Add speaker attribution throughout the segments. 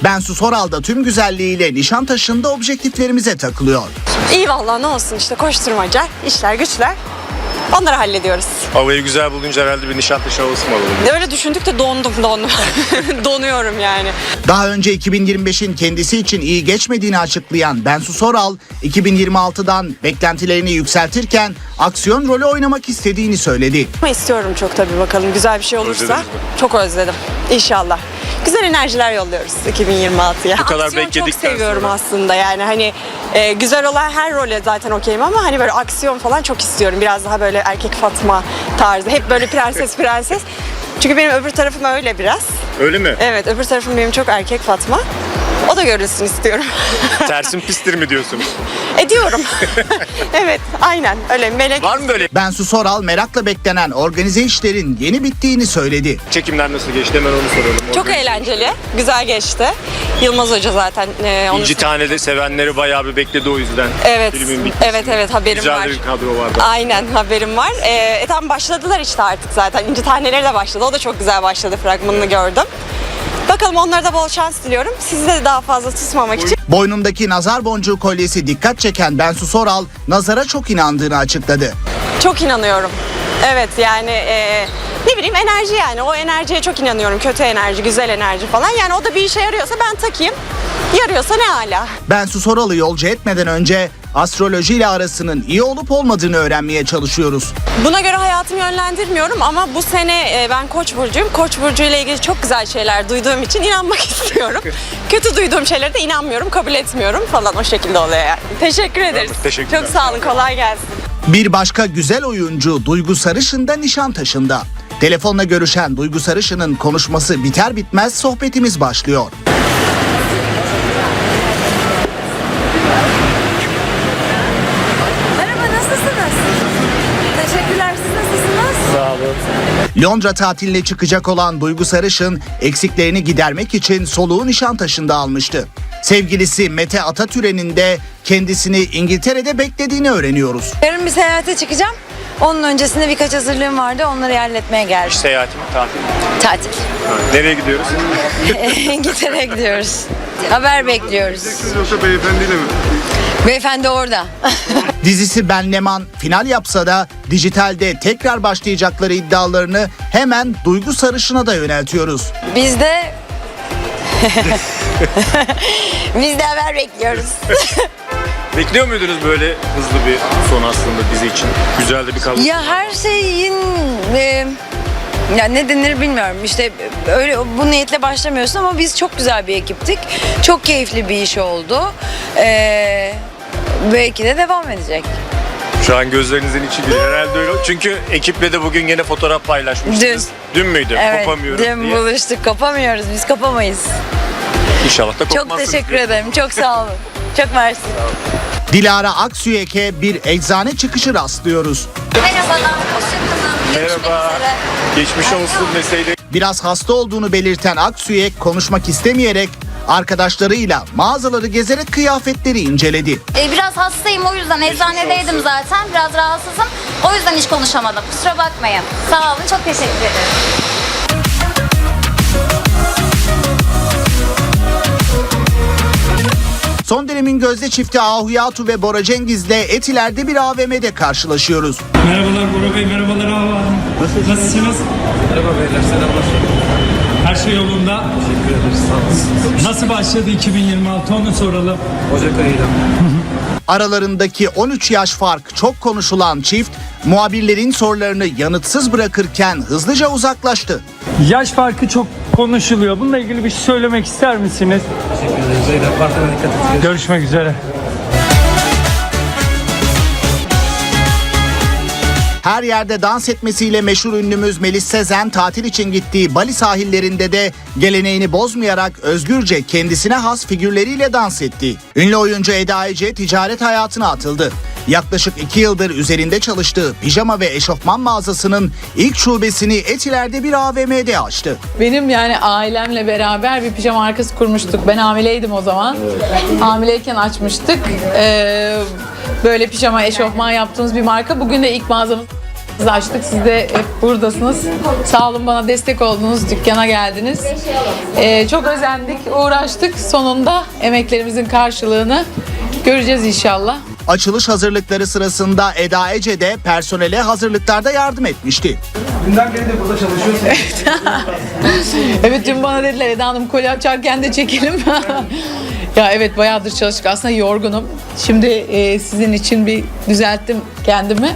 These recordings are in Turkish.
Speaker 1: Bensu Soral da tüm güzelliğiyle Nişantaşı'nda objektiflerimize takılıyor.
Speaker 2: İyi vallahi, ne olsun işte, koşturmaca, işler güçler. Onları hallediyoruz.
Speaker 3: Havayı güzel bulunca herhalde bir Nişantaşı havası mı alalım?
Speaker 2: Öyle düşündük de dondum. Donuyorum yani.
Speaker 1: Daha önce 2025'in kendisi için iyi geçmediğini açıklayan Bensu Soral, 2026'dan beklentilerini yükseltirken aksiyon rolü oynamak istediğini söyledi.
Speaker 2: Ama istiyorum çok tabii, bakalım güzel bir şey olursa.
Speaker 3: Özlediniz mi?
Speaker 2: Çok özledim. İnşallah. Güzel enerjiler yolluyoruz 2026'ya.
Speaker 3: Bu kadar
Speaker 2: aksiyon çok
Speaker 3: bekledikten
Speaker 2: seviyorum
Speaker 3: sonra.
Speaker 2: aslında yani hani güzel olan her role zaten okeyim ama hani böyle aksiyon falan çok istiyorum. Biraz daha böyle erkek Fatma tarzı. Hep böyle prenses. Çünkü benim öbür tarafım öyle biraz.
Speaker 3: Öyle mi?
Speaker 2: Evet, öbür tarafım benim çok erkek Fatma. O da görülsün istiyorum.
Speaker 3: Tersin pistir mi diyorsunuz?
Speaker 2: Ediyorum. Evet, aynen öyle melek.
Speaker 3: Var mı böyle?
Speaker 1: Bensu Soral merakla beklenen organize işlerin yeni bittiğini söyledi.
Speaker 3: Çekimler nasıl geçti, hemen onu soralım.
Speaker 2: Çok eğlenceli, güzel geçti. Yılmaz Hoca zaten onu...
Speaker 3: İnci Tane'de sevenleri bayağı bir bekledi o yüzden.
Speaker 2: Evet,
Speaker 3: Filmin bitmesini.
Speaker 2: evet haberim
Speaker 3: Güzel
Speaker 2: var.
Speaker 3: bir kadro vardı.
Speaker 2: Aynen, haberim var. Tam başladılar işte artık zaten. İnci Taneleri de başladı. O da çok güzel başladı, fragmanını gördüm. Bakalım, onlara da bol şans diliyorum. Sizi de daha fazla tutmamak için.
Speaker 1: Boynundaki nazar boncuğu kolyesi dikkat çeken Bensu Soral, nazara çok inandığını açıkladı.
Speaker 2: Çok inanıyorum. Evet yani ne bileyim, enerji yani. O enerjiye çok inanıyorum. Kötü enerji, güzel enerji falan. Yani o da bir işe yarıyorsa ben takayım. Yarıyorsa ne hala.
Speaker 1: Bensu Soral'ı yolcu etmeden önce astrolojiyle arasının iyi olup olmadığını öğrenmeye çalışıyoruz.
Speaker 2: Buna göre hayatımı yönlendirmiyorum ama bu sene ben Koç burcuyum. Koç burcu ile ilgili çok güzel şeyler duyduğum için inanmak istiyorum. Kötü duyduğum şeylere de inanmıyorum, kabul etmiyorum falan, o şekilde oluyor yani. Teşekkür ederiz.
Speaker 3: Teşekkürler.
Speaker 2: Çok sağ olun, kolay gelsin.
Speaker 1: Bir başka güzel oyuncu Duygu Sarışın da Nişantaşı'nda. Telefonla görüşen Duygu Sarışın'ın konuşması biter bitmez sohbetimiz başlıyor.
Speaker 4: Merhaba, nasılsınız? Teşekkürler, siz nasılsınız?
Speaker 3: Sağ olun.
Speaker 1: Londra tatiline çıkacak olan Duygu Sarışın eksiklerini gidermek için soluğu Nişantaşı'nda almıştı. Sevgilisi Mete Atatüren'in de kendisini İngiltere'de beklediğini öğreniyoruz.
Speaker 4: Yarın bir seyahate çıkacağım. Onun öncesinde birkaç hazırlığım vardı, onları halletmeye geldim.
Speaker 3: Seyahati mi, tatil mi?
Speaker 4: Tatil.
Speaker 3: Nereye gidiyoruz?
Speaker 4: İngiltere'ye gidiyoruz. Haber bekliyoruz.
Speaker 3: Yoksa beyefendiyle mi?
Speaker 4: Beyefendi orada.
Speaker 1: Dizisi Ben Leman final yapsa da dijitalde tekrar başlayacakları iddialarını hemen Duygu Sarışın'a da yöneltiyoruz.
Speaker 4: Biz de... Biz de haber bekliyoruz.
Speaker 3: Bekliyor muydunuz böyle hızlı bir son aslında dizi için? Güzel de bir kadro.
Speaker 4: Ya her şeyin... ya ne denir bilmiyorum. İşte öyle bu niyetle başlamıyorsun ama biz çok güzel bir ekiptik. Çok keyifli bir iş oldu. Belki de devam edecek.
Speaker 3: Şu an gözlerinizin içi gülüyor. Herhalde öyle. Çünkü ekiple de bugün gene fotoğraf paylaşmıştınız. Dün müydü?
Speaker 4: Evet,
Speaker 3: Kopamıyorum
Speaker 4: dün
Speaker 3: diye.
Speaker 4: buluştuk. Kopamıyoruz. Biz kopamayız.
Speaker 3: İnşallah da kopmazsınız.
Speaker 4: Çok teşekkür ederim. Çok sağ olun. Çok mersi.
Speaker 1: Dilara Aksüyek'e bir eczane çıkışı rastlıyoruz.
Speaker 4: Merhabalar. Hoşçakalın.
Speaker 3: Merhaba. Geçmiş olsun meseleyle.
Speaker 1: Biraz hasta olduğunu belirten Aksüyek konuşmak istemeyerek arkadaşlarıyla mağazaları gezerek kıyafetleri inceledi.
Speaker 5: Biraz hastayım, o yüzden eczanedeydim zaten. Biraz rahatsızım. O yüzden hiç konuşamadım. Kusura bakmayın. Sağ olun. Çok teşekkür ederim.
Speaker 1: Son dönemin gözde çifti Ahuyatu ve Bora Cengiz'le Etiler'de bir AVM'de karşılaşıyoruz.
Speaker 6: Merhabalar Bora Bey, merhabalar Hava Hanım. Nasılsınız? Merhaba beyler, selamlar. Her şey yolunda.
Speaker 7: Teşekkür ederiz, sağ olasın.
Speaker 6: Nasıl başladı 2026 onu soralım.
Speaker 7: Ocak ayıyla.
Speaker 1: Aralarındaki 13 yaş fark çok konuşulan çift muhabirlerin sorularını yanıtsız bırakırken hızlıca uzaklaştı.
Speaker 6: Yaş farkı çok konuşuluyor. Bununla ilgili bir şey söylemek ister misiniz?
Speaker 7: Teşekkür ederiz. Beyler, partnere dikkat edin.
Speaker 6: Görüşmek üzere.
Speaker 1: Her yerde dans etmesiyle meşhur ünlümüz Melis Sezen tatil için gittiği Bali sahillerinde de geleneğini bozmayarak özgürce kendisine has figürleriyle dans etti. Ünlü oyuncu Eda Ece ticaret hayatına atıldı. Yaklaşık 2 yıldır üzerinde çalıştığı pijama ve eşofman mağazasının ilk şubesini Etiler'de bir AVM'de açtı.
Speaker 8: Benim yani ailemle beraber bir pijama markası kurmuştuk. Ben hamileydim o zaman. Hamileyken açmıştık. Böyle pijama eşofman yaptığımız bir marka. Bugün de ilk mağazamız Siz açtık, siz de hep buradasınız. Sağ olun, bana destek oldunuz, dükkana geldiniz. Çok özendik, uğraştık. Sonunda emeklerimizin karşılığını göreceğiz inşallah.
Speaker 1: Açılış hazırlıkları sırasında Eda Ece de personele hazırlıklarda yardım etmişti.
Speaker 7: Dünden beri de burada çalışıyorsun.
Speaker 8: Evet, dün bana dediler Eda Hanım kolye açarken de çekelim. Ya evet, bayağıdır çalıştık. Aslında yorgunum. Şimdi sizin için bir düzelttim kendimi.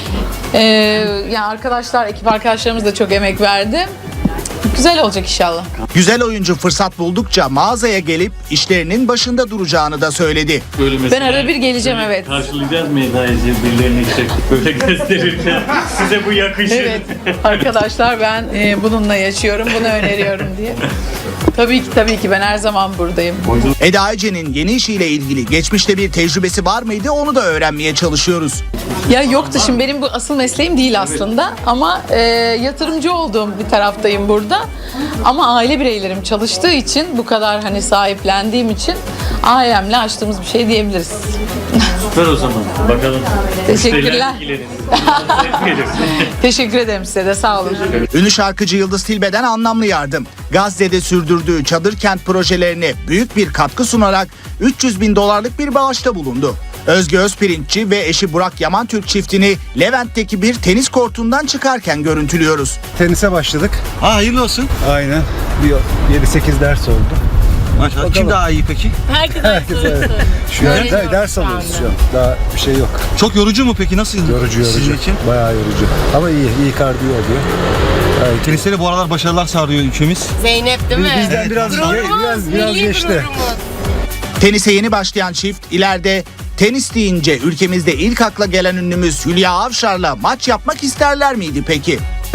Speaker 8: Yani arkadaşlar, ekip arkadaşlarımız da çok emek verdi. Güzel olacak inşallah.
Speaker 1: Güzel oyuncu fırsat buldukça mağazaya gelip işlerinin başında duracağını da söyledi.
Speaker 8: Ben arada bir geleceğim, evet.
Speaker 6: Karşılayacağız mı Eda'yı birilerini böyle gösterirken? Size bu yakışır.
Speaker 8: Evet arkadaşlar, ben bununla yaşıyorum, bunu öneriyorum diye. Tabii ki ben her zaman buradayım.
Speaker 1: Eda Ece'nin yeni işiyle ilgili geçmişte bir tecrübesi var mıydı, onu da öğrenmeye çalışıyoruz.
Speaker 8: Ya yoktu, şimdi benim bu asıl mesleğim değil aslında ama yatırımcı olduğum bir taraftayım burada. Ama aile bireylerim çalıştığı için, bu kadar hani sahiplendiğim için ailemle açtığımız bir şey diyebiliriz.
Speaker 6: Süper o zaman. Bakalım.
Speaker 8: Teşekkürler.
Speaker 6: Müşteriler ilgilenir.
Speaker 8: Teşekkür ederim size de, sağ olun.
Speaker 1: Ünlü şarkıcı Yıldız Tilbe'den anlamlı yardım. Gazze'de sürdürdüğü çadır kent projelerine büyük bir katkı sunarak 300 bin dolarlık bir bağışta bulundu. Özge Özpirinççi ve eşi Burak Yamantürk çiftini Levent'teki bir tenis kortundan çıkarken görüntülüyoruz.
Speaker 9: Tenise başladık.
Speaker 10: Ha, hayırlı olsun.
Speaker 9: Aynen. Bir 7-8 ders oldu.
Speaker 10: Maşallah. Kim daha iyi peki?
Speaker 9: Herkes şu an ders alıyoruz şu an. Daha bir şey yok.
Speaker 10: Çok yorucu mu peki? Nasıl?
Speaker 9: Yorucu.
Speaker 10: Sizin için?
Speaker 9: Bayağı yorucu. Ama iyi kardiyo oluyor.
Speaker 10: Teniste de bu aralar başarılar sağlıyor ülkemiz.
Speaker 11: Zeynep değil mi?
Speaker 9: Bizden biraz geçti.
Speaker 1: Tenise yeni başlayan çift ileride tenis deyince ülkemizde ilk akla gelen ünlümüz Hülya Avşar'la maç yapmak isterler miydi peki?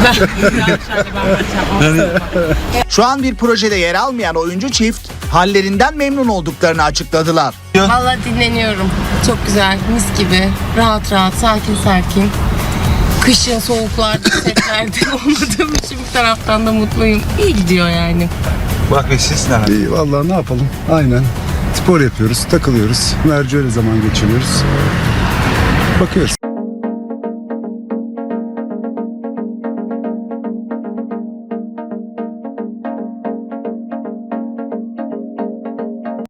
Speaker 1: Şu an bir projede yer almayan oyuncu çift hallerinden memnun olduklarını açıkladılar.
Speaker 11: Vallahi dinleniyorum. Çok güzel, mis gibi. Rahat rahat, sakin sakin. Kışın soğuklarda, setlerde olmadığım için bir taraftan da mutluyum. İyi gidiyor yani.
Speaker 10: Burak Bey siz neler?
Speaker 9: İyi vallahi ne yapalım? Aynen. Spor yapıyoruz, takılıyoruz. Merci öyle zaman geçiriyoruz. Bakıyoruz.